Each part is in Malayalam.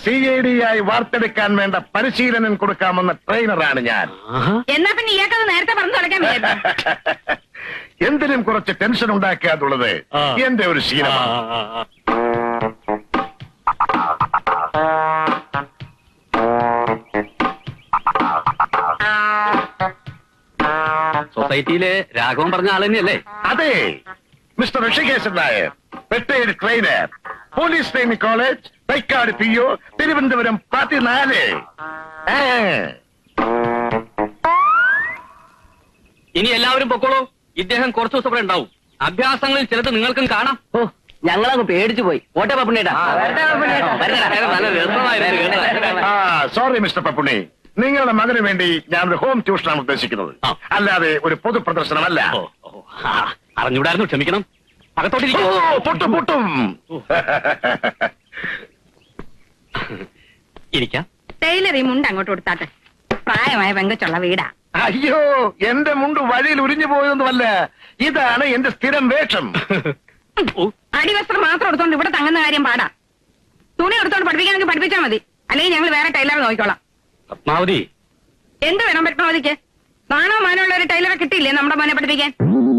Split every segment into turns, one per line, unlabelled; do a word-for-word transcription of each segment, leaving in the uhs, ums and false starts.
സി ഐ ഡി ആയി വാർത്തെടുക്കാൻ വേണ്ട പരിശീലനം കൊടുക്കാമെന്ന ട്രെയിനറാണ് ഞാൻ.
എന്നാ പിന്നെ ഇയാൾക്കത് നേരത്തെ പറഞ്ഞു തുടക്കാൻ
എന്തിനും കുറച്ച് ടെൻഷൻ ഉണ്ടാക്കുക എന്നുള്ളത് എന്റെ ഒരു ശീലമാണ്.
സൊസൈറ്റിയിലെ രാഘവൻ പറഞ്ഞ ആൾ തന്നെയല്ലേ?
അതെ, mister Hrishikeshan Nair, retired trainer, police training college, Thycaud P O, Thiruvananthapuram പതിനാല്.
ഇനി എല്ലാവരും പൊക്കോളൂ. ഇദ്ദേഹം കുറച്ചു ദിവസം ഇവിടെ ഉണ്ടാവും. അഭ്യാസങ്ങളിൽ ചിലത് നിങ്ങൾക്കും കാണാം.
ഓ, ഞങ്ങളങ്ങ് പേടിച്ചു പോയി. ഓട്ടെ പപ്പുണ്ണേട്ടാ.
സോറി മിസ്റ്റർ പപ്പുണ്ണി, നിങ്ങളുടെ മകന് വേണ്ടി ഞാനൊരു ഹോം ട്യൂഷനാണ് ഉദ്ദേശിക്കുന്നത്, അല്ലാതെ ഒരു പൊതു പ്രദർശനമല്ല.
അറിഞ്ഞൂടായിരുന്നു, ക്ഷമിക്കണം. അകത്തോട്ടിരിക്കും.
പൊട്ടും പൊട്ടും.
ഇരിക്കാം.
ടൈലർ ഈ മുണ്ട് അങ്ങോട്ട് കൊടുത്താട്ടെ. പ്രായമായ പെങ്കച്ചുള്ള വീടാ.
അയ്യോ, എന്റെ മുണ്ട് വഴിയിൽ ഉരിഞ്ഞു പോയതൊന്നുമല്ല, ഇതാണ് എന്റെ സ്ഥിരം വേഷം.
അടിവസ്ത്രം മാത്രം എടുത്തോണ്ട് ഇവിടെ തങ്ങുന്ന കാര്യം പാടാ. തുണി എടുത്തോണ്ട് പഠിപ്പിക്കാനെങ്കിൽ പഠിപ്പിച്ചാൽ മതി, അല്ലെങ്കിൽ ഞങ്ങൾ വേറെ ടൈലറെ നോക്കിക്കോളാം.
പത്മാവതി,
എന്ത് വേണം പത്മാവതിക്ക്? നാണോ മാനമുള്ള ഒരു ടൈലറെ കിട്ടിയില്ലേ നമ്മുടെ മോനെ പഠിപ്പിക്കാൻ?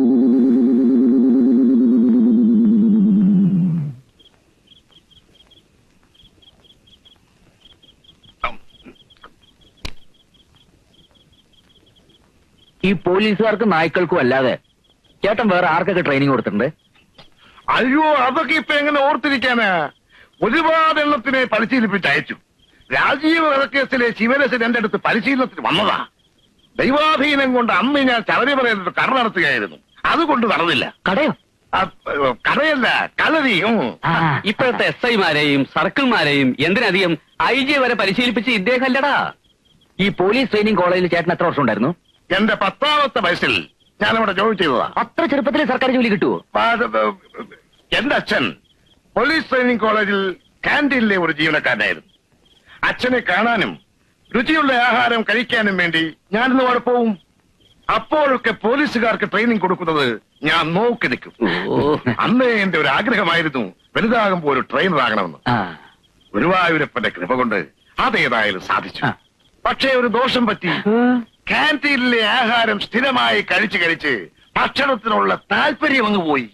ഈ പോലീസുകാർക്കും നായ്ക്കൾക്കും അല്ലാതെ ചേട്ടൻ വേറെ ആർക്കൊക്കെ ട്രെയിനിങ് കൊടുത്തിട്ടുണ്ട്?
അയ്യോ, അതൊക്കെ ഇപ്പൊ എങ്ങനെ ഓർത്തിരിക്കാനാ? ഒരുപാട് എണ്ണത്തിനെ പരിശീലിപ്പിച്ച് അയച്ചു. രാജീവ് വധക്കേസിലെ ശിവരസൻ എന്റെ അടുത്ത് പരിശീലനത്തിന് വന്നതാ. ദൈവാധീനം കൊണ്ട് അന്ന് ഞാൻ ശബരിമലയിൽ കട നടത്തുകയായിരുന്നു. അതുകൊണ്ട് നടന്നില്ല.
കടയോ?
കടയല്ല, കളരി.
ഇപ്പോഴത്തെ എസ് ഐമാരെയും സർക്കിൾമാരെയും എന്തിനധികം ഐ ജി വരെ പരിശീലിപ്പിച്ച് ഇദ്ദേഹം അല്ലടാ.
ഈ പോലീസ് ട്രെയിനിങ് കോളേജിൽ ചേട്ടൻ എത്ര വർഷം ഉണ്ടായിരുന്നു?
എന്റെ പത്താമത്തെ വയസ്സിൽ ഞാനവിടെ ജോലി ചെയ്തതാ.
അത്ര ചെറുപ്പത്തിൽ സർക്കാർ ജോലി കിട്ടുമോ?
എന്റെ അച്ഛൻ പോലീസ് ട്രെയിനിങ് കോളേജിൽ കാന്റീനിലെ ഒരു ജീവനക്കാരനായിരുന്നു. അച്ഛനെ കാണാനും രുചിയുള്ള ആഹാരം കഴിക്കാനും വേണ്ടി ഞാനിന്ന് അവിടെ പോവും. അപ്പോഴൊക്കെ പോലീസുകാർക്ക് ട്രെയിനിങ് കൊടുക്കുന്നത് ഞാൻ നോക്കി നിൽക്കും. അന്ന് എന്റെ ഒരു ആഗ്രഹമായിരുന്നു വലുതാകുമ്പോൾ ഒരു ട്രെയിനർ ആകണമെന്ന്. ഗുരുവായൂരപ്പന്റെ കൃപ കൊണ്ട് അതേതായാലും സാധിച്ചു. പക്ഷേ ഒരു ദോഷം പറ്റി. കാന്റീനിലെ ആഹാരം സ്ഥിരമായി കഴിച്ച് കഴിച്ച് ഭക്ഷണത്തിനുള്ള താല്പര്യം അങ്ങ് പോയി.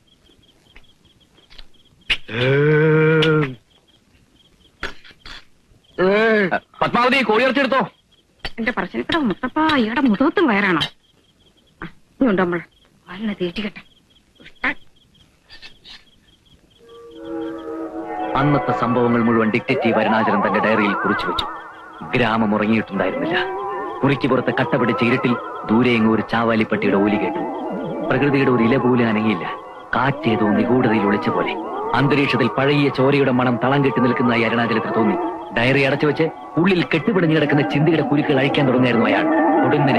പത്മാവതി, കോഴിയിറച്ചെടുത്തോ.
എന്റെ പറശ്ശിനിക്കട മുത്തപ്പ, ഇയാടെ മുഖത്തും വയറാണോ? ഇതുണ്ട് നമ്മൾ വല്ല തീറ്റിക്കട്ടെ.
അന്നത്തെ സംഭവങ്ങൾ മുഴുവൻ ഡിറ്റക്റ്റീവ് അരുണാചലൻ തന്റെ ഡയറിയിൽ കുറിച്ചു വെച്ചു. ഗ്രാമം ഉറങ്ങിയിട്ടുണ്ടായിരുന്നില്ല. കുറിക്ക് പുറത്ത് കട്ടപിടിച്ച ഇരുട്ടിൽ ദൂരെയെങ്ങും ഒരു ചാവാലിപ്പട്ടിയുടെ ഓലി കേട്ടു. പ്രകൃതിയുടെ ഒരു ഇല പോലും അനങ്ങിയില്ല. കാറ്റേതോ നിഗൂഢതയിൽ ഒളിച്ച പോലെ അന്തരീക്ഷത്തിൽ പഴകിയ ചോരയുടെ മണം തളം കെട്ടി നിൽക്കുന്നതായി അരുണാചലത്തിൽ തോന്നി. ഡയറി അടച്ചു വെച്ച് ഉള്ളിൽ കെട്ടുപിടിഞ്ഞു കിടക്കുന്ന ചിന്തയുടെ കുരുക്കൾ അഴിക്കാൻ തുടങ്ങിയായിരുന്നു അയാൾ. ഒടുങ്ങനെ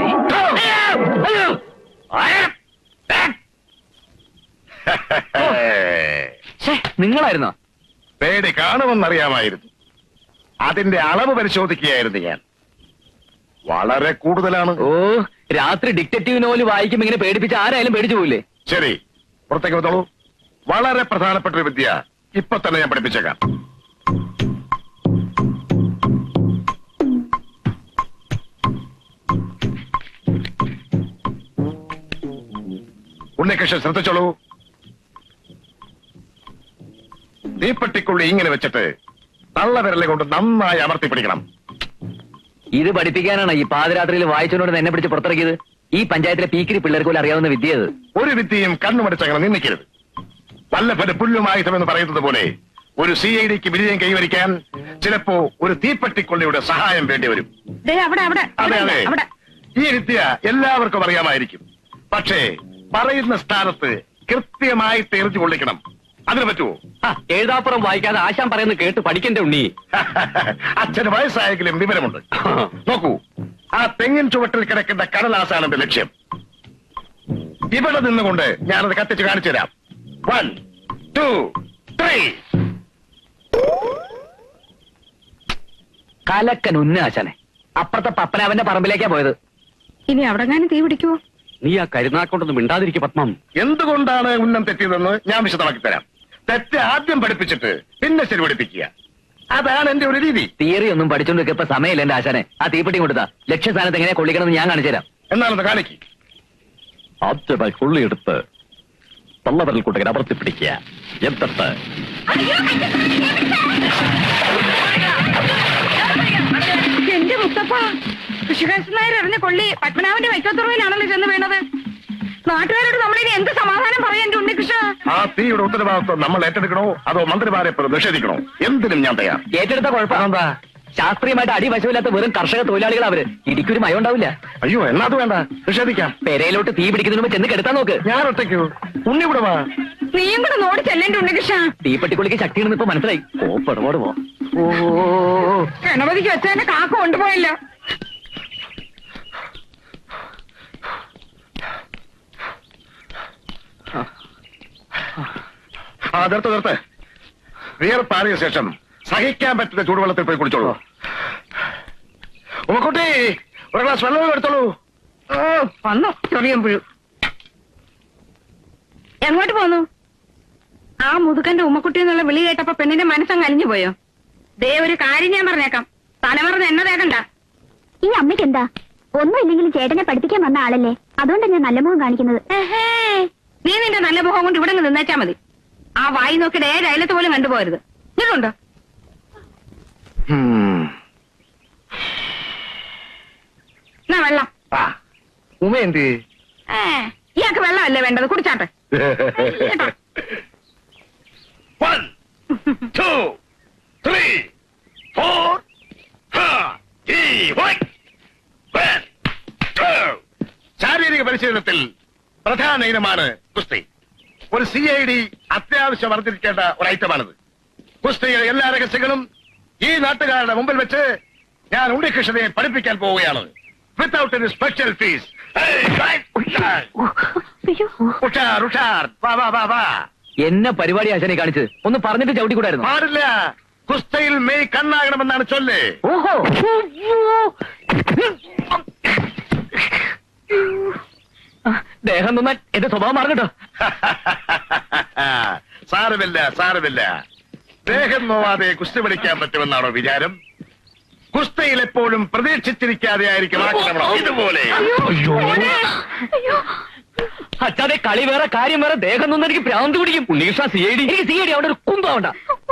നിങ്ങളായിരുന്നോ?
പേടി കാണുമെന്നറിയാമായിരുന്നു. അതിന്റെ അളവ് പരിശോധിക്കുകയായിരുന്നു ഞാൻ. വളരെ കൂടുതലാണ്.
ഓ, രാത്രി ഡിറ്റക്റ്റീവ് നോവൽ വായിക്കുമ്പോ ഇങ്ങനെ പേടിപ്പിച്ച ആരായാലും പേടിച്ചു പോയില്ലേ?
ശരി, പുറത്തേക്ക് വന്നോളൂ. വളരെ പ്രധാനപ്പെട്ട ഒരു വിദ്യ ഇപ്പൊ തന്നെ ഞാൻ പഠിപ്പിച്ചേക്കാം. ഉണ്ണികൃഷ്ണൻ ശ്രദ്ധിച്ചോളൂ. തീപ്പെട്ടിക്കുള്ളി ഇങ്ങനെ വെച്ചിട്ട് തള്ളവിരലെ കൊണ്ട് നന്നായി അമർത്തി പിടിക്കണം.
ഇത് പഠിപ്പിക്കാനാണ് ഈ പാതിരാത്രിയിൽ വായിച്ചോണ്ട് എന്നെ പിടിച്ച് പുറത്തിറക്കിയത്? ഈ പഞ്ചായത്തിലെ പീക്കിരി പിള്ളേർക്ക് പോലും അറിയാവുന്ന വിദ്യ അത്.
ഒരു വിദ്യയും കണ്ണുമടിച്ചങ്ങനെ നിന്നിക്കരുത്. വല്ലഭന് പുല്ലുമായുധമെന്ന് പറയുന്നത് പോലെ ഒരു സി ഐ ഡിക്ക് വിജയം കൈവരിക്കാൻ ചിലപ്പോ ഒരു തീപ്പെട്ടിക്കൊള്ളിയുടെ സഹായം വേണ്ടി വരും. അതെ അതെ, ഈ വിദ്യ എല്ലാവർക്കും അറിയാമായിരിക്കും. പക്ഷേ പറയുന്ന സ്ഥാനത്ത് കൃത്യമായിട്ട് എറിഞ്ഞു കൊള്ളിക്കണം. അതിന് പറ്റുമോ?
എഴുതാപ്പുറം വായിക്കാതെ ആശാൻ പറയുന്നത് കേട്ട് പഠിക്കണ്ടേ ഉണ്ണി?
അച്ഛന് വയസ്സായെങ്കിലും വിവരമുണ്ട്. നോക്കൂ, ആ തെങ്ങിൻ ചുവട്ടിൽ കിടക്കുന്ന കടലാസാണ് എന്റെ ലക്ഷ്യം. ഇവിടെ നിന്നുകൊണ്ട് ഞാനത് കത്തിച്ച് കാണിച്ചു തരാം. One two three.
കലക്കൻ ഉന്നാശനെ. അപ്പുറത്തെ പപ്പനാവന്റെ പറമ്പിലേക്കാ പോയത്.
ഇനി അവിടെ തീ പിടിക്കുവോ?
നീ ആ കരുനാക്കൊണ്ടൊന്നും മിണ്ടാതിരിക്കും പത്മം.
എന്തുകൊണ്ടാണ് ഉന്നം തെറ്റിയതെന്ന് ഞാൻ വിശദമാക്കി തരാം. തെറ്റ് ആദ്യം പഠിപ്പിച്ചിട്ട് പിന്നെ ശരി പഠിപ്പിക്കുക. അതാണ് എന്റെ ഒരു രീതി.
തിയറി ഒന്നും പഠിച്ചോണ്ട് ഇപ്പൊ സമയമില്ല എന്റെ ആശാനെ. ആ തീപ്പെട്ടി കൊടുത്താ ലക്ഷ്യസ്ഥാനത്ത് എങ്ങനെയാ കൊള്ളിക്കണമെന്ന് ഞാൻ കാണിച്ചു തരാം.
എന്നാണെന്ന് കാണിക്ക്.
ആദ്യമായി കൊള്ളിയെടുത്ത് തള്ളവരൽ കൂട്ടകൻ അമർത്തി പിടിക്കുക. എന്നിട്ട്
എന്റെ മുത്തപ്പ, കൃഷികാശൻ നായർ എറിഞ്ഞ കൊള്ളി പത്മനാഭന്റെ വൈക്കോത്തുറവിലാണല്ലോ ചെന്ന് വീണത്. നാട്ടുകാരോട് നമ്മളിനി എന്ത് സമാധാനം പറയാൻ എന്റെ ഉണ്ണികൃഷ്ണ?
ആ തീയുടെ ഉത്തരവാദിത്വം നമ്മൾ ഏറ്റെടുക്കണോ അതോ മന്ത്രിമാരെ പോലെ നിഷേധിക്കണോ? എന്തിനും ഞാൻ തയ്യാർ.
ഏറ്റെടുത്ത കുഴപ്പമെന്താ? ശാസ്ത്രീയമായിട്ട് അടിവശമില്ലാത്ത വെറും കർഷക തൊഴിലാളികൾ അവര്. ഇടിക്കൊരു മയം ഉണ്ടാവില്ല.
അയ്യോ എന്നാ അത് വേണ്ട, നിഷേധിക്കാം.
പെരയിലോട്ട് തീ പിടിക്കുന്നതിന് മുമ്പ് ചെന്ന് കെടുത്താൻ നോക്ക്.
ഞാൻ ഒറ്റയ്ക്കോ? ഉണ്ണി കൂടെ വാ.
നീയും കൂടെ നോടി ചെല്ലേന്റെ ഉണ്ണികൃഷ്ണ.
തീപ്പെട്ടിക്കുള്ളിക്ക് ശക്തിയാണെന്ന് ഇപ്പൊ മനസ്സിലായി. കോപ്പടപാട് പോ. ഓ
ഗണപതിക്ക് വെച്ചതിന്റെ കാക്ക കൊണ്ടുപോയല്ലോ.
ആ നിർത്ത് നിർത്ത്. വിയർപ്പാറിയ ശേഷം സഹിക്കാൻ പറ്റുന്ന ചൂടുവെള്ളത്തിൽ പോയി കുടിച്ചോളൂ. ഉമ്മക്കുട്ടി, ഒരു ഗ്ലാസ് വെള്ളം എടുത്തോളൂ.
ഓ വന്നു ചൊറിയും പുഴു. എങ്ങോട്ട് പോന്നു? ആ മുതുകന്റെ ഉമ്മക്കുട്ടി എന്നുള്ള വിളി കേട്ടപ്പോ പെണ്ണിന്റെ മനസ്സങ്ങ് അലിഞ്ഞു പോയോ? ദേ ഒരു കാര്യം ഞാൻ പറഞ്ഞേക്കാം, തലമറന്ന് എന്നെ തേക്കണ്ട.
ഈ അമ്മയ്ക്ക് എന്താ? ഒന്നുമില്ലെങ്കിലും ചേട്ടനെ പഠിപ്പിക്കാൻ വന്ന ആളല്ലേ, അതുകൊണ്ടാണ് ഞാൻ നല്ല മുഖം കാണിക്കുന്നത്.
നീ നിന്റെ നല്ല മുഖം കൊണ്ട് ഇവിടെ നിന്നേച്ചാ മതി. ആ വായി നോക്കിയിട്ട് ഏത് അയലത്ത് പോലും കണ്ടുപോകരുത്. ഇതുണ്ടോ? എന്നാ വെള്ളം.
ഉമ എന്ത്?
ഏ ഇയാൾക്ക് വെള്ളമല്ലേ വേണ്ടത്, കുടിച്ചാട്ടെ.
One, two, three, four, five, one, two. ശാരീരിക പരിശീലനത്തിൽ പ്രധാന ഇനമാണ് കുസ്തി. ഒരു സി ഐ ഡി അത്യാവശ്യം വർദ്ധിക്കേണ്ട ഒരു ഐറ്റമാണിത്. കുസ്തിയുടെ എല്ലാ രഹസ്യങ്ങളും ഈ നാട്ടുകാരുടെ മുമ്പിൽ വെച്ച് ഞാൻ ഉണ്ണികൃഷ്ണനെ പഠിപ്പിക്കാൻ പോവുകയാണ്. Without any special fees. ഉഷാർ ഉഷാർ, വാ വാ വാ വാ.
എന്നെ പരിപാടി ആശാനെ കാണിച്ചത് ഒന്ന് പറഞ്ഞിട്ട് ചവിട്ടിക്കൂടായിരുന്നു.
പാടില്ല. കുസ്തയിൽ മെയ് കണ്ണാകണമെന്നാണ് ചൊല്ല്.
ഓഹോ, ദേഹം നന്നാൻ എന്റെ സ്വഭാവം മാറട്ടോ.
സാരമില്ല സാരമില്ല. ദേഹം നോവാതെ കുസ്തി പഠിക്കാൻ പറ്റുമെന്നാണോ വിചാരം? കുസ്തയിൽ എപ്പോഴും പ്രതീക്ഷിച്ചിരിക്കാതെ ആയിരിക്കും ആക്രമണം. ഇതുപോലെ
അച്ഛാതെ കളി വേറെ കാര്യം വേറെ. ദേഹം നൊന്നും എനിക്ക് ഭ്രാന്ത് പിടിക്കും. Unnikrishna C I D. എനിക്ക് സി ഐ ഡി അവിടെ ഒരു കുന്താവണ്ട.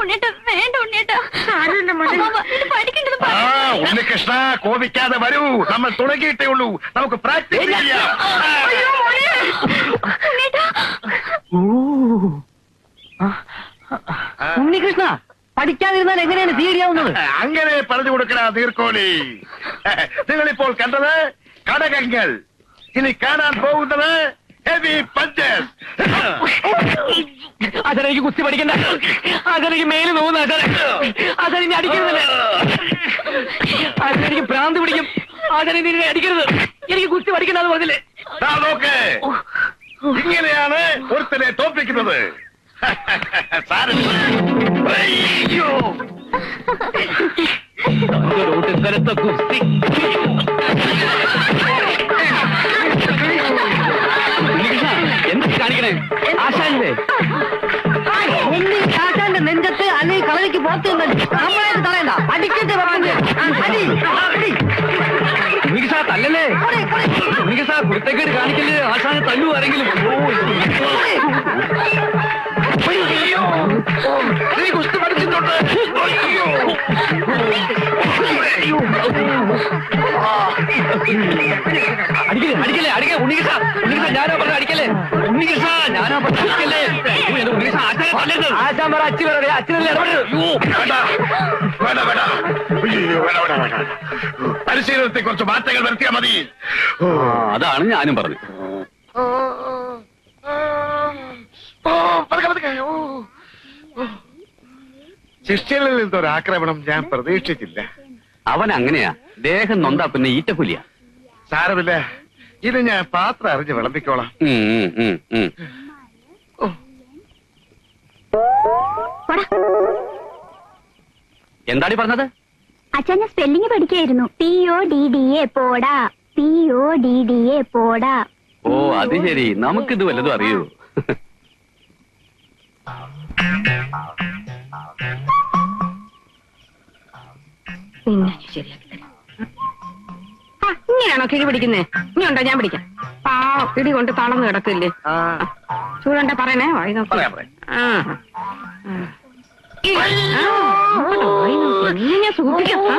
ആ ഉണ്ണികൃഷ്ണ കോപിക്കാതെ വരൂ. നമ്മൾ തുടങ്ങിയിട്ടേ ഉള്ളൂ. നമുക്ക് പ്രാക്ടീസ് ചെയ്യാം.
ഉണ്ണികൃഷ്ണ പഠിക്കാതിരുന്നാൽ എങ്ങനെയാണ് സി ഐ ഡി ആവുന്നത്?
അങ്ങനെ പറഞ്ഞു കൊടുക്കണ നീർക്കോലി. നിങ്ങളിപ്പോൾ കണ്ടത് കടകങ്ങൾ. ഇനി കാണാൻ പോകുന്നത് ഹെവി പഞ്ചസ്.
അതെനിക്ക് കുസ്തി പഠിക്കണ്ട. അതെനിക്ക് മേല് നോവുന്ന അതെനിക്ക് അടിക്കരുതല്ലേ. അതെനിക്ക് ഭ്രാന്ത് പിടിക്കും. അതെനിക്ക് അടിക്കരുത്. എനിക്ക് കുസ്തി പഠിക്കണ്ടെന്ന് പറഞ്ഞില്ലേ?
നോക്ക്, ഇങ്ങനെയാണ് ഒരുത്തനെ തോൽപ്പിക്കുന്നത്. അയ്യോ,
സ്ഥലത്തെ കുസ്തി എന്ത് കാണിക്കണേ? ആശാന്റെ ആശാന്റെ നെഞ്ചത്ത് അല്ലെങ്കിൽ കളരിക്ക് പോത്ത് നമ്മളായിട്ട് തടയണ്ട. അടിക്കട്ടെ ഉണ്ണികൃഷ്ണ തല്ലല്ലേ. ഉണ്ണികൃഷ്ണ കുരുത്തക്കേട് കാണിക്കല്. ആശാനെ തല്ലു ആരെങ്കിലും.
നീ കുസ്തി പഠിച്ചിട്ടുണ്ട്.
അടിക്കലേ അടിക്കലേ അടിക്കേ. ഉണ്ണികൃഷ്ണ ഉണ്ണികൃഷ്ണ ഞാനാ പറഞ്ഞ അടിക്കലേ. ഉണ്ണികൃഷ്ണ ഞാനാ പറഞ്ഞ അടിക്കല്ലേ. ഉണ്ണികൃഷ്ണ ആശാനെ തല്ലരുത്. ആശാൻ പറ അച്ഛൻ പറ അച്ഛനല്ലേ
പരിശീലനത്തെ കുറച്ച് മാറ്റങ്ങൾ വരുത്തിയാൽ മതി.
അതാണ് ഞാനും പറഞ്ഞു.
ശിഷ്യനിൽ നിന്നൊരു ആക്രമണം ഞാൻ പ്രതീക്ഷിച്ചില്ല.
അവൻ അങ്ങനെയാ. ദേഹം നൊന്താ പിന്നെ ഈറ്റക്കുലിയ.
സാരമില്ല, ഇത് ഞാൻ പാത്രം അറിഞ്ഞ് വിളമ്പിക്കോളാം.
എന്താടി പറഞ്ഞത്?
അച്ഛനെ സ്പെല്ലിംഗ് പഠിക്കായിരുന്നു. P O D D A പോടാ. P O D D A പോടാ.
ഓ അത് ശരി. നമുക്കിത് വല്ലതും അറിയൂ.
നിന്നെ ഞാൻ ശരിയാക്കി തരാം. ആ, ഇങ്ങനെയാണോ കിഴി പിടിക്കുന്നേ? ഇനി ഉണ്ടോ ഞാൻ പിടിക്കാം. ആ ഇടി കൊണ്ട് തളർന്ന് കിടക്കില്ലേ? ചൂടണ്ട പറയണേ. വായി നോക്കി.
പറയാം, പറയാം.
ആ ആ. ഈ, ആ, അങ്ങോട്ട് വായി നോക്കി. നിന്നെ ഞാൻ സൂക്ഷിക്കാം. ആ.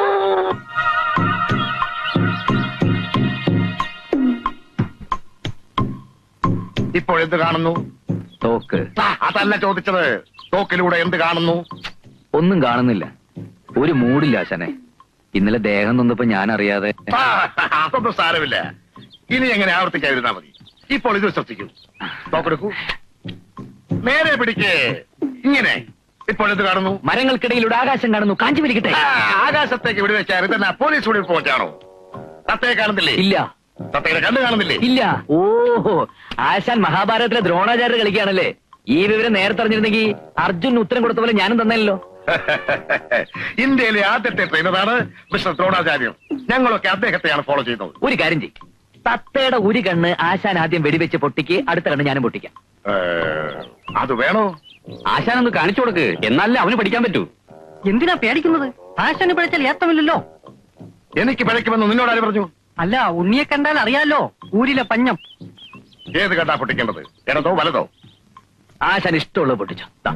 ഇപ്പോൾ എന്ത് കാണുന്നു?
തോക്ക്.
ആ, അതല്ല ചോദിച്ചത്. തോക്കിലൂടെ എന്ത് കാണുന്നു?
ഒന്നും കാണുന്നില്ല. ഒരു മൂടില്ല ആശാനെ. ഇന്നലെ ദേഹം നൊന്നപ്പോ ഞാൻ അറിയാതെ.
ആ, അതൊന്നും സാരമില്ല. ഇനി എങ്ങനെ ആവർത്തിക്കാതിരുന്നാ മതി. ഇപ്പോൾ ഇത് ശ്രദ്ധിക്കൂ. തോക്കെടുക്കൂ. നേരെ പിടിക്കേ. ഇങ്ങനെ. ഇപ്പോൾ എന്ത് കാണുന്നു?
മരങ്ങൾക്കിടയിലൂടെ ആകാശം കാണുന്നു. കാഞ്ചി വലിക്കട്ടെ.
ആ, ആകാശത്തേക്ക് വിടുവെച്ചാൽ ഇതെന്നാ പോലീസ് വിടി പോച്ചാണോ? തത്തയെ കാണുന്നില്ലേ?
ഇല്ല.
തത്തയുടെ കണ്ണ് കാണുന്നില്ലേ?
ഇല്ല. ഓഹോ, ആശാൻ മഹാഭാരതത്തിലെ ദ്രോണാചാര്യ കളിക്കുകയാണല്ലേ. ഈ വിവരം നേരത്തെ അറിഞ്ഞിരുന്നെങ്കിൽ അർജുൻ ഉത്തരം കൊടുത്ത പോലെ ഞാനും തന്നല്ലോ.
ഇന്ത്യയിലെ ആദ്യത്തെ ട്രെയിനറാണ് മിസ്റ്റർ ദ്രോണാചാര്യം. ഞങ്ങളൊക്കെ അദ്ദേഹത്തെയാണ് ഫോളോ ചെയ്യുന്നത്.
ഒരു കാര്യം ചെയ്യും. തത്തയുടെ ഒരു കണ്ണ് ആശാൻ ആദ്യം വെടിവെച്ച് പൊട്ടിക്ക്, അടുത്ത കണ്ണ് ഞാനും പൊട്ടിക്കാം.
ഏ, അത് വേണോ?
ആശാൻ ഒന്ന് കാണിച്ചു കൊടുക്ക്, എന്നാലേ അവന് പഠിക്കാൻ പറ്റൂ.
എന്തിനാ പേടിക്കുന്നത്? ആശാന് പിഴച്ചാൽ ഏത്തമില്ലല്ലോ.
എനിക്ക് പിഴയ്ക്കുമെന്ന് നിന്നോടാര് പറഞ്ഞു?
അല്ല, ഉണ്ണിയെ കണ്ടാൽ അറിയാലോ, ഊരിലെ പഞ്ഞം.
ഏത് കണ്ടാ പൊട്ടിക്കേണ്ടത്? ഇടതോ വലതോ?
ആശാൻ ഇഷ്ടമുള്ളത് പൊട്ടിച്ചോ. ദാ.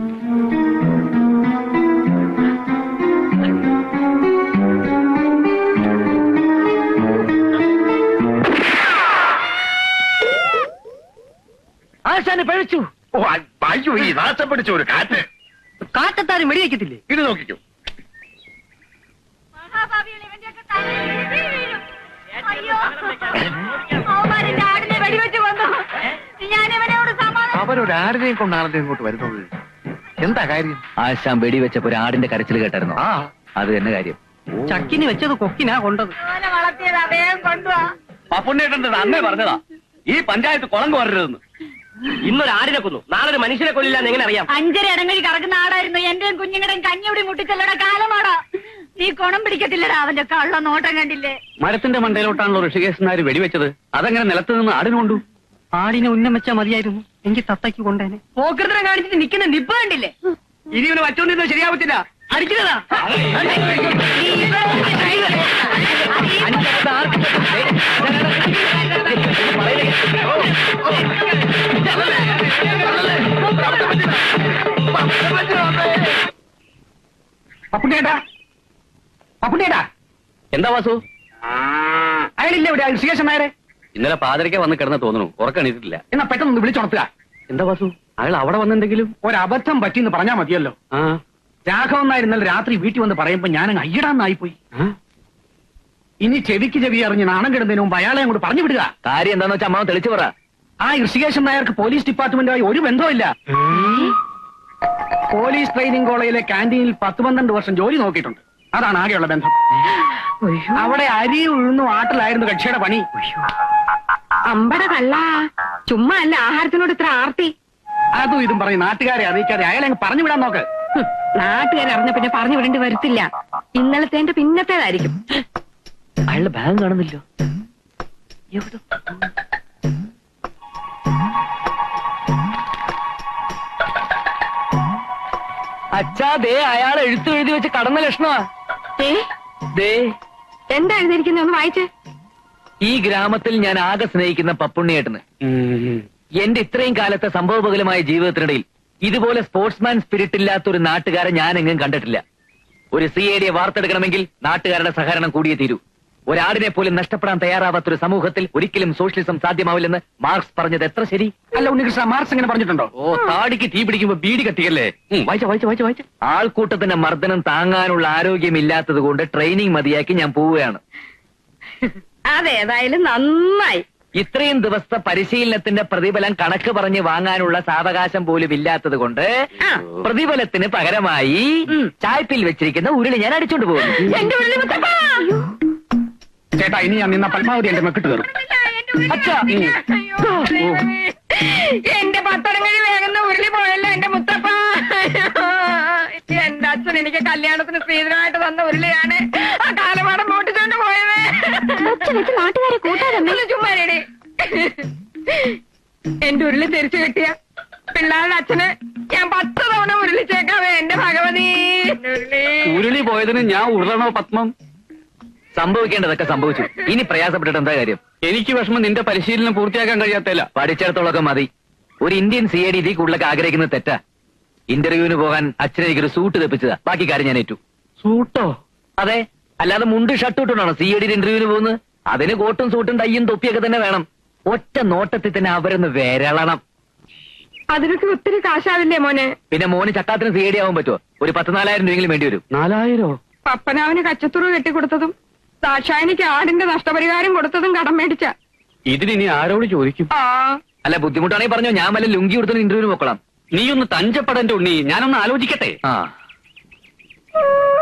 ആശാന് പഴിച്ചു.
ഓ, അയ്യോ, ഈ നാശം പിടിച്ച ഒരു കാറ്റ്.
കാറ്റത്താരും വെടിവെക്കത്തില്ലേ?
ഇത് നോക്കിക്കോ. അവരൊരാടിനെയും കൊണ്ടാണല്ലോ ഇങ്ങോട്ട് വരുന്നത്. എന്താ കാര്യം?
ആശാൻ വെടിവെച്ചപ്പോ ഒരു ആടിന്റെ കരച്ചിൽ കേട്ടായിരുന്നു.
ആ,
അത് തന്നെ കാര്യം.
ചക്കിന് വെച്ചത് കൊക്കിനാ കൊണ്ടത്.
വളർത്തിയത് അദ്ദേഹം കൊണ്ടുവാ.
പപ്പുണ്ണേട്ടൻ അന്നേ പറഞ്ഞതാ ഈ പഞ്ചായത്ത് കുളം കോരരുതെന്ന്. ഇന്നൊരു ആടിനെ കൊന്നു, നാളെ ഒരു മനുഷ്യനെ കൊല്ലില്ലാന്ന് എങ്ങനെ അറിയാം?
അഞ്ചര ഇടങ്ങഴി കറക്കുന്ന ആടായിരുന്നു. എന്റെയും കുഞ്ഞുങ്ങളുടെയും കഞ്ഞിയുടെ മുട്ടിച്ചല്ലട കാലമാടാ. നീ കുണം പിടിക്കത്തില്ലടാ. അവന്റെ കള്ള നോട്ടം കണ്ടില്ലേ?
മരത്തിന്റെ മണ്ടയിലോട്ടാണല്ലോ ഋഷികേശനാര് വെടിവെച്ചത്. അതങ്ങനെ നിലത്ത് നിന്ന് ആടിന് കൊണ്ടു.
ആടിനെ ഉന്നം വെച്ചാ മതിയായിരുന്നു, എങ്കിൽ തത്തയ്ക്ക് കൊണ്ടേനെ.
പോക്കൃതരം കാണിച്ചിട്ട് നിൽക്കുന്ന നിപ്പ് കണ്ടില്ലേ?
ഇനി ഇവന് വച്ചോണ്ടിരുന്നത് ശരിയാവത്തില്ല. അടിക്കുന്നതാ.
പപ്പുണ്ണേട്ടാ, പപ്പുണ്ണേട്ടാ,
എന്താ വാസു?
അയാളില്ലേ ഇവിടെ? ഋഷികേശൻ നായരെ.
ഇന്നലെ പാതിരയ്ക്ക് വന്ന് കിടന്ന് തോന്നുന്നു, ഉറക്കണിട്ടില്ല.
എന്നാ പെട്ടെന്ന് വിളിച്ചുണർത്തുക.
എന്താ വാസു, അയാൾ അവിടെ വന്നെന്തെങ്കിലും?
ഒരബദ്ധം പറ്റിയെന്ന് പറഞ്ഞാ മതിയല്ലോ.
ആ
രാഘവൻ നായർ ഇന്നലെ രാത്രി വീട്ടിൽ വന്ന് പറയുമ്പോ ഞാനങ്ങ് അയ്യടാന്നായിപ്പോയി.
ആ?
ഇനി ചെവിക്ക് ചെവി അറിഞ്ഞ് നാണം കിടന്നതിന് മുമ്പ് അയാളെ അങ്ങോട്ട് പറഞ്ഞു വിടുക.
കാര്യം എന്താന്ന് വെച്ചാൽ അമ്മാവൻ തെളിച്ചു പറ.
ആ ഋഷികേശൻ നായർക്ക് പോലീസ് ഡിപ്പാർട്ട്മെന്റുമായി ഒരു ബന്ധവുമില്ല. പോലീസ് ട്രെയിനിങ് കോളേജിലെ ക്യാന്റീനിൽ പത്ത് പന്ത്രണ്ട് വർഷം ജോലി നോക്കിയിട്ടുണ്ട്. അതാണ് ആകെയുള്ള ബന്ധം. അവിടെ അരി ഉഴുന്നും ആട്ടിലായിരുന്നു കക്ഷിയുടെ പണി.
അമ്പട കള്ള. ചുമ്മാ അല്ല ആഹാരത്തിനോട് ഇത്ര ആർത്തി.
അതും ഇതും പറഞ്ഞ് നാട്ടുകാരെ അറിയിക്കാതെ അയാളെ അങ്ങ് പറഞ്ഞു വിടാൻ നോക്ക്.
നാട്ടുകാരെ അറിഞ്ഞ പിന്നെ പറഞ്ഞു വിടേണ്ടി വരത്തില്ല. ഇന്നലത്തെ എന്റെ പിന്നത്തേതായിരിക്കും.
അയാളുടെ ബാഗ് കാണുന്നില്ലോ.
എവിടെ?
അച്ഛാ, ദേ അയാൾ എഴുത്തു എഴുതി വെച്ച് കടന്ന ലക്ഷണമാ.
ഏ
ദേ,
എന്താ എഴുതിയിരിക്കുന്നത്? ഒന്ന് വായിച്ചേ.
ഈ ഗ്രാമത്തിൽ ഞാൻ ആകെ സ്നേഹിക്കുന്ന പപ്പുണ്ണിയേട്ടന് എന്റെ ഇത്രയും കാലത്തെ സംഭവബഹുലമായ ജീവിതത്തിനിടയിൽ ഇതുപോലെ സ്പോർട്സ്മാൻ സ്പിരിറ്റ് ഇല്ലാത്ത ഒരു നാട്ടുകാരെ ഞാൻ എങ്ങും കണ്ടിട്ടില്ല. ഒരു സി ഐ ഡിയെ വാർത്തെടുക്കണമെങ്കിൽ നാട്ടുകാരുടെ സഹകരണം കൂടിയേ തീരൂ. ഒരാടിനെ പോലും നഷ്ടപ്പെടാൻ തയ്യാറാവാത്ത ഒരു സമൂഹത്തിൽ ഒരിക്കലും സോഷ്യലിസം സാധ്യമാവില്ലെന്ന് മാർക്സ് പറഞ്ഞത് എത്ര ശരി?
അല്ല ഉണ്ണികൃഷ്ണ, മാർക്സ് എങ്ങനെ പറഞ്ഞിട്ടുണ്ടോ?
ഓ, താടിക്ക് തീ പിടിക്കുമ്പോ ബീഡി കത്തിക്കല്ലേ. വായിച്ച വായിച്ച വായിച്ച വായിച്ച
ആൾക്കൂട്ടത്തിന്റെ മർദ്ദനം താങ്ങാനുള്ള ആരോഗ്യം ഇല്ലാത്തത് കൊണ്ട് ട്രെയിനിങ് മതിയാക്കി ഞാൻ പോവുകയാണ്.
അതേതായാലും നന്നായി.
ഇത്രയും ദിവസത്തെ പരിശീലനത്തിന്റെ പ്രതിഫലം കണക്ക് പറഞ്ഞ് വാങ്ങാനുള്ള സാവകാശം പോലും ഇല്ലാത്തത് കൊണ്ട്
ആ.
പ്രതിഫലത്തിന് പകരമായി ചായ്പിൽ വെച്ചിരിക്കുന്ന ഉരുളി ഞാൻ അടിച്ചോണ്ട് പോകുന്നു.
എന്റെ ഉള്ളിൽ മുത്തപ്പ.
ചേട്ടാ, ഇനി ഞാൻ നിന്ന പരമാവധി എന്റെ മെക്കിട്ട് കയറും.
അച്ഛാ, എന്റെ പത്തടങ്ങഴി വേഗം ഉരുളി പോയല്ലോ എന്റെ മുത്തപ്പ. എന്റെ അച്ഛൻ എനിക്ക് കല്യാണത്തിന് സ്ത്രീധനമായിട്ട് തന്ന ഉരുളിയാണ് ആ കാലമാടം മോട്ടിച്ചോണ്ട് പോയത്.
നാട്ടുകാരെ കൂട്ടാതെ
ചുമ്മാരേടി. എന്റെ ഉരുളി തിരിച്ചു കിട്ടിയ പിള്ളേരുടെ അച്ഛന് ഞാൻ പത്ത് തവണ ഉരുളിച്ചേക്കാവേ എന്റെ ഭഗവതി.
ഉരുളി പോയതിന് ഞാൻ ഉരുളണോ പത്മം?
സംഭവിക്കേണ്ടതൊക്കെ സംഭവിച്ചു. ഇനി പ്രയാസപ്പെട്ടിട്ട് എന്താ കാര്യം?
എനിക്ക് വിഷമം നിന്റെ പരിശീലനം പൂർത്തിയാക്കാൻ കഴിയാത്തല്ല.
പഠിച്ചിടത്തോളൊക്കെ മതി. ഒരു ഇന്ത്യൻ സി ഐ ഡി ഇതിൽ കൂടുതലൊക്കെ ആഗ്രഹിക്കുന്നത് തെറ്റാ. ഇന്റർവ്യൂവിന് പോകാൻ അച്ഛനെ എനിക്കൊരു സൂട്ട് തെപ്പിച്ചതാ. ബാക്കി കാര്യം ഞാൻ ഏറ്റു.
സൂട്ടോ?
അതെ, അല്ലാതെ മുണ്ട് ഷർട്ട് ഇട്ടുകൊണ്ടാണോ സി ഐ ഡി ഇന്റർവ്യൂവിന് പോകുന്നത്? അതിന് കോട്ടും സൂട്ടും ടൈയും തൊപ്പിയൊക്കെ തന്നെ വേണം. ഒറ്റ നോട്ടത്തിൽ തന്നെ അവരൊന്ന് വിരളണം.
അതിനൊക്കെ ഒത്തിരി കാശാവില്ലേ മോനെ?
പിന്നെ മോന് ചക്കാത്തിന് സി ഐ ഡി ആവാൻ പറ്റുമോ? ഒരു പത്ത് നാലായിരം രൂപയെങ്കിലും വേണ്ടി വരും.
നാലായിരോ?
പപ്പനാവിന് കച്ചത്തുറു കെട്ടിക്കൊടുത്തതും ദാക്ഷായനിക്ക് ആടിന്റെ നഷ്ടപരിഹാരം കൊടുത്തതും കടം മേടിച്ച.
ഇതിനി ആരോട് ചോദിക്കും?
ആ
അല്ല, ബുദ്ധിമുട്ടാണെങ്കിൽ പറഞ്ഞോ, ഞാൻ വല്ല ലുങ്കി കൊടുത്തു ഇന്റർവ്യൂവിന് നോക്കണം.
നീ ഒന്ന് തഞ്ചപ്പെടന്റെ ഉണ്ണി, ഞാനൊന്ന് ആലോചിക്കട്ടെ.
ആ